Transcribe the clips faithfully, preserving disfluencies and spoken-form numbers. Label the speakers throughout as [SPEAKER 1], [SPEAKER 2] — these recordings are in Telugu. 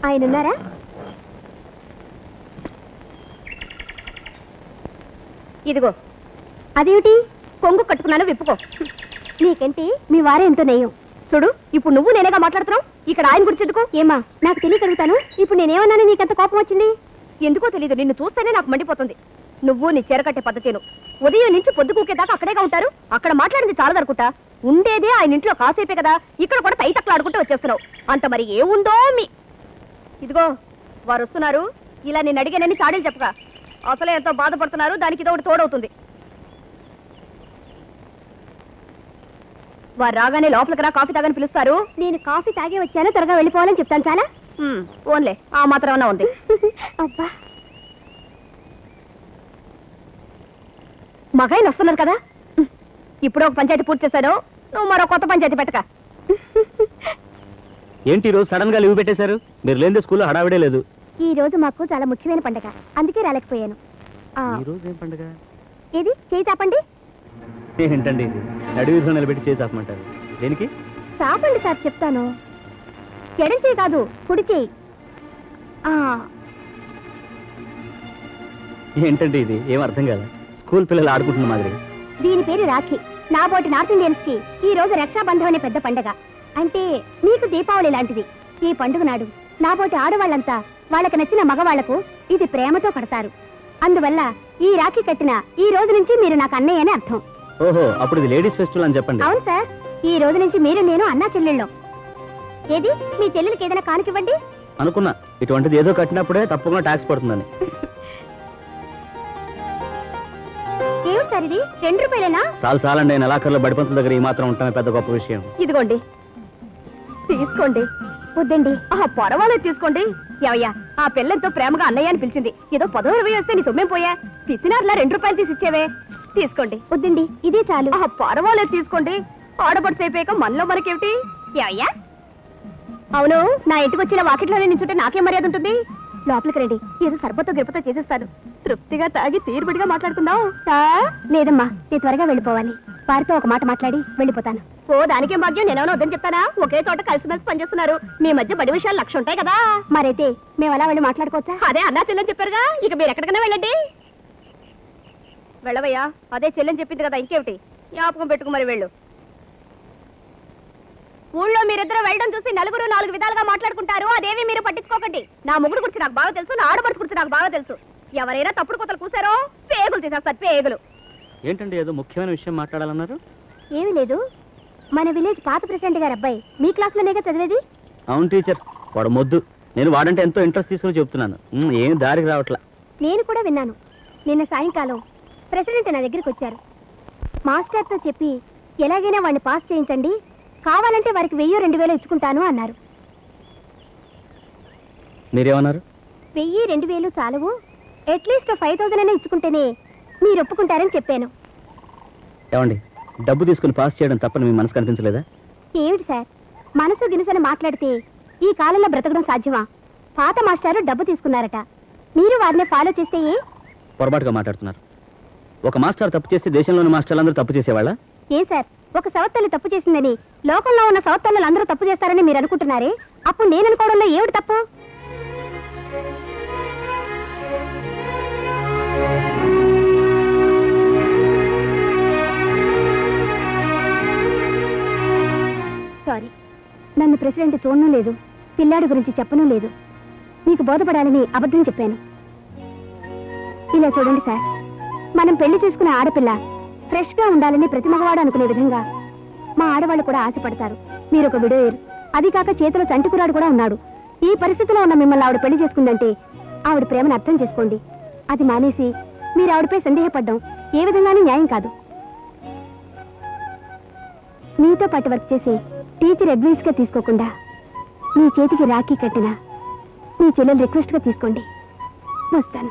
[SPEAKER 1] ఆయన ఉన్నారా? ఇదిగో. అదేమిటి? కొంగు కట్టుకున్నాను, విప్పుకో. నీకేంటి? మీ వారే ఎంతో నెయ్యం. చూడు, ఇప్పుడు నువ్వు నేనేగా మాట్లాడుతున్నావు. ఇక్కడ ఆయన గురించి ఎందుకు? ఏమా, నాకు తెలియగలుగుతాను. ఇప్పుడు నేనేమన్నాను నీకెంత కోపం వచ్చింది? ఎందుకో తెలీదు, నిన్ను చూస్తేనే నాకు మండిపోతుంది. నువ్వు నీ చీరకట్టే పద్ధతిను ఉదయం నుంచి పొద్దు కూకేదాకా అక్కడేగా ఉంటారు. అక్కడ మాట్లాడింది చాలా దొరుకుతా. ఉండేదే ఆయన ఇంట్లో కాసేపే కదా, ఇక్కడ కూడా తైతక్కలు ఆడుకుంటూ వచ్చేస్తున్నావు. అంత మరి ఏముందో మీ. ఇదిగో, వారు వస్తున్నారు. ఇలా నేను అడిగానని చాడీలు చెప్పగా. అసలే ఎంతో బాధపడుతున్నారు, దానికి ఇదో ఒకటి తోడవుతుంది. వారు రాగానే లోపలికి రా, కాఫీ తాగని పిలుస్తారు. నేను కాఫీ తాగే వచ్చాను, త్వరగా వెళ్ళిపోవాలని చెప్తాను. చాలా ఓన్లే, ఆ మాత్రం ఉంది. అబ్బా, మగాయన వస్తున్నారు కదా. ఇప్పుడు ఒక పంచాయతీ పూర్తి చేశాను, నువ్వు మరో కొత్త పంచాయతీ పెట్టక.
[SPEAKER 2] ఏంటి రోజు సడన్ గా లీవ్ పెట్టేశారు? మీరు లేని స్కూల్లో హడావిడే లేదు.
[SPEAKER 1] ఈ రోజు మాకు చాలా ముఖ్యమైన పండుగ, అందుకే రాలేకపోయాను.
[SPEAKER 2] ఈ రోజు ఏం పండుగ?
[SPEAKER 1] ఏది? చేయి చాపండి.
[SPEAKER 2] ఏంటండి నడివీధిలో నిలబెట్టి చేయి చాపమంటారు? దేనికి?
[SPEAKER 1] చాపండి సార్, చెప్తాను. ఎడం చేయి కాదు, కుడి చేయి.
[SPEAKER 2] ఏంటండి ఇది? ఏం అర్థం కాదు. స్కూల్ పిల్లలు ఆడుకుంటున్న మాదిరి.
[SPEAKER 1] దీని పేరు రాఖీ. నా బోటి నార్త్ ఇండియన్స్ కి ఈ రోజు రక్షాబంధం అనే పెద్ద పండుగ. అంటే మీకు దీపావళి లాంటిది. ఈ పండుగ నాడు నా బోటి ఆడవాళ్ళంతా వాళ్ళకి నచ్చిన మగవాళ్లకు ఇది ప్రేమతో కడతారు. అందువల్ల ఈ రాఖీ కట్టిన ఈ రోజు నుంచి మీరు నాకు అన్నయ్య అని అర్థం.
[SPEAKER 2] ఓహో, అప్పుడు ఇది లేడీస్ ఫెస్టివల్ అని చెప్పండి.
[SPEAKER 1] అవును సార్, ఈ రోజు నుంచి మీరు నేను అన్నా చెల్లెళ్ళం. ఏది? మీ చెల్లెలకి ఏదైనా కానుకివ్వండి.
[SPEAKER 2] అనుకున్నా ఇటువంటిది ఏదో కట్టినప్పుడే తప్పకుండా ట్యాక్స్ పడుతుందని.
[SPEAKER 1] ఏమిటి సార్ ఇది? రెండు రూపాయలేనా?
[SPEAKER 2] చాలు చాలండి, నెలాఖరులో బడిపంతుల దగ్గర ఈ మాత్రం ఉంటామే పెద్ద గొప్ప విషయం.
[SPEAKER 1] ఇదిగోండి, తీసుకోండి. వద్దండి. పర్వాలేదు, తీసుకోండి. ఏవయ్యా, ఆ పిల్లలతో ప్రేమగా అన్నయ్య అని పిలిచింది. ఏదో పదో ఇరవై వస్తే నీ సొమ్మేం పోయా? పిసినారులా రెండు రూపాయలు తీసి ఇచ్చేవే. తీసుకోండి. వద్దండి, ఇదే చాలు. పర్వాలేదు, తీసుకోండి. ఆడబడుచు అయిపోయాక మనలో మనకేమిటి? ఏవయ్యా, అవును, నా ఇంటికి వచ్చిన వాకిట్లోనే నించుంటే నాకేం మర్యాద ఉంటుంది? లోపలికి రండి, ఏదో సర్బతో గిరపతో చేసేస్తాను. తృప్తిగా తాగి తీరుబడిగా మాట్లాడుకుందాం. లేదమ్మా, నేను త్వరగా వెళ్ళిపోవాలి. వారితో ఒక మాట మాట్లాడి వెళ్ళిపోతాను. ఓ, దానికేం భాగ్యం. నేనేమో వద్దని చెప్తానా? ఒకే చోట కలిసిమెలిసి పనిచేస్తున్నారు. మీ మధ్య బడి విషయాలు లక్ష ఉంటాయి కదా. మరైతే మేము అలా వెళ్ళి మాట్లాడుకోవచ్చా? అదే అన్నా చెల్లెని చెప్పారుగా, ఇక మీరు ఎక్కడికైనా వెళ్ళండి. వెళ్ళవయ్యా, అదే చెల్లెని చెప్పింది కదా, ఇంకేమిటి? జ్ఞాపకం పెట్టుకు మరి వెళ్ళు. ఊళ్ళో మీరిద్దరూ వెళ్ళడం చూసి నలుగురు నాలుగు విధాలుగా మాట్లాడుకుంటారు. అదేవి మీరు పట్టించుకోకండి. నా ముగ్గురు గురించి నాకు బాగా తెలుసు, నా ఆడబడుచు గురించి నాకు బాగా తెలుసు. ఎవరైనా తప్పుడు కొత్తలు కూసారో పేగులు తీసేస్తారు, పేగులు.
[SPEAKER 2] ఏంటండి ఏదో ముఖ్యమైన విషయం మాట్లాడాలన్నారు?
[SPEAKER 1] ఏమీ లేదు, మన విలేజ్ పాత ప్రెసిడెంట్ గారు అబ్బాయి మీ క్లాస్ లోనేగా చదివేది.
[SPEAKER 2] అవును టీచర్, వాడు మొద్దు. నేను వాడంటే ఎంతో ఇంట్రెస్ట్ తీసుకుని చెప్తున్నాను, ఏం దారికి రావట్లా.
[SPEAKER 1] నేను కూడా విన్నాను. నిన్న సాయంకాలం ప్రెసిడెంట్ నా దగ్గరికి వచ్చారు. మాస్టర్తో చెప్పి ఎలాగైనా వాడిని పాస్ చేయించండి, కావాలంటే వారికి వెయ్యి రెండు వేలు ఇచ్చుకుంటాను అన్నారు.
[SPEAKER 2] మీరేమన్నారు?
[SPEAKER 1] వెయ్యి రెండు వేలు చాలవు, అట్లీస్ట్ ఫైవ్ థౌసండ్ అయినా ఇచ్చుకుంటేనే మీరు ఒప్పుకుంటారని చెప్పాను.
[SPEAKER 2] ఏమండి, డబ్బు తీసుకుని పాస్ చేయడం తప్పని మీ మనసు కనిపించలేదా?
[SPEAKER 1] ఏమిటి సార్, మనసు గినుసని మాట్లాడితే ఈ కాలంలో బ్రతకడం సాధ్యమా? పాత మాస్టారు డబ్బు తీసుకున్నారట, మీరు వారిని ఫాలో చేస్తే
[SPEAKER 2] పొరపాటుగా మాట్లాడుతున్నారు. ఒక మాస్టర్ తప్పు చేస్తే దేశంలోని మాస్టర్లందరూ తప్పు చేసేవాళ్ళ?
[SPEAKER 1] ఏ సార్, ఒక సవత్తల్లి తప్పు చేసిందని లోకంలో ఉన్న సవత్తల్లు అందరూ తప్పు చేస్తారని మీరు అనుకుంటున్నారే, అప్పుడు నేను అనుకోవడంలో ఏమిటి తప్పు? సారీ, నన్ను ప్రెసిడెంట్ చూడడం లేదు, పిల్లాడి గురించి చెప్పడం లేదు. మీకు బోధపడాలని అబద్ధం చెప్పాను. ఇలా చూడండి సార్, మనం పెళ్లి చేసుకునే ఆడపిల్ల ఫ్రెష్ గా ఉండాలని ప్రతి మగవాడు అనుకునే విధంగా మా ఆడవాళ్ళు కూడా ఆశపడతారు. మీరు ఒక విడోయర్, అది కాక చేతిలో చంటికురాడు కూడా ఉన్నాడు. ఈ పరిస్థితిలో ఉన్న మిమ్మల్ని ఆవిడ పెళ్లి చేసుకుందంటే ఆవిడ ప్రేమను అర్థం చేసుకోండి. అది మానేసి మీరు ఆవిడపై సందేహపడ్డం ఏ విధంగానూ న్యాయం కాదు. మీతో పాటు వర్క్ చేసే టీచర్ అడ్వైస్ గా తీసుకోకుండా మీ చేతికి రాఖీ కట్టిన మీ చెల్లెలు రిక్వెస్ట్ గా తీసుకోండి. వస్తాను.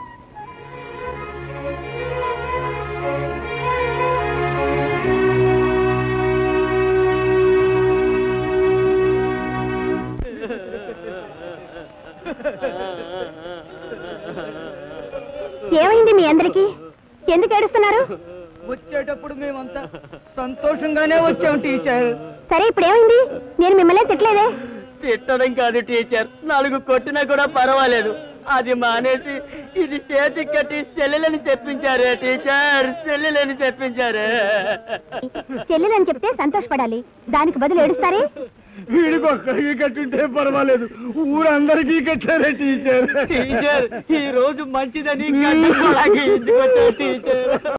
[SPEAKER 1] ఏమైంది మీ అందరికి? ఎందుకు ఏడుస్తున్నారు?
[SPEAKER 3] వచ్చేటప్పుడు మేమంతా సంతోషంగానే వచ్చాం టీచర్.
[SPEAKER 1] సరే, ఇప్పుడు ఏమైంది? నేను మిమ్మల్ని తిట్టలేదే.
[SPEAKER 2] తిట్టడం కాదు టీచర్, నాలుగు కొట్టినా కూడా పర్వాలేదు. అది మానేసి ఇది చేతికి కట్టి చెల్లెలని చెప్పించారే టీచర్, చెల్లెలని చెప్పించారే.
[SPEAKER 1] చెల్లెలని చెప్తే సంతోషపడాలి, దానికి బదులు ఏడుస్తారే.
[SPEAKER 3] వీడికి ఒక్కడికి కట్టుంటే పర్వాలేదు, ఊరందరికీ కట్టారే టీచర్.
[SPEAKER 2] టీచర్ ఈ రోజు మంచిదని టీచర్